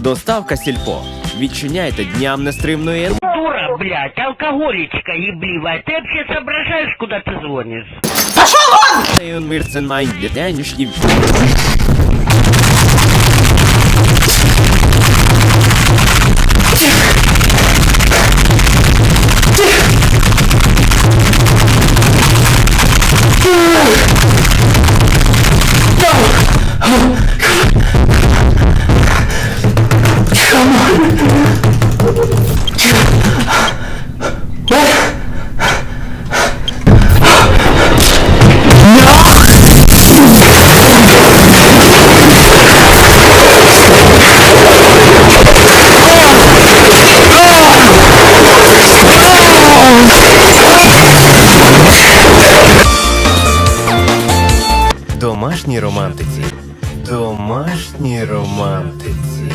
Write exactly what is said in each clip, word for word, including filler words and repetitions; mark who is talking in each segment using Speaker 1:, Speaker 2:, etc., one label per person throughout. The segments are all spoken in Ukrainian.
Speaker 1: Доставка Сільпо. Відчиняйте дням нестримної ен...
Speaker 2: Дура, блядь, алкоголичка ебливая. Ты вообще соображаешь, куда ты звонишь?
Speaker 1: Домашній романтиці. Домашній романтиці.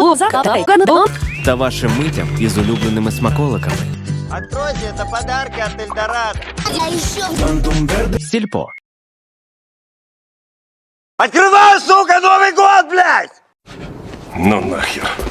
Speaker 1: Та вашим митям із улюбленими смаколиками.
Speaker 3: Откройте, это подарки от Эльдорадо.
Speaker 1: Сільпо.
Speaker 3: Открывай, сука, Новый год, блядь!
Speaker 4: Ну нахер.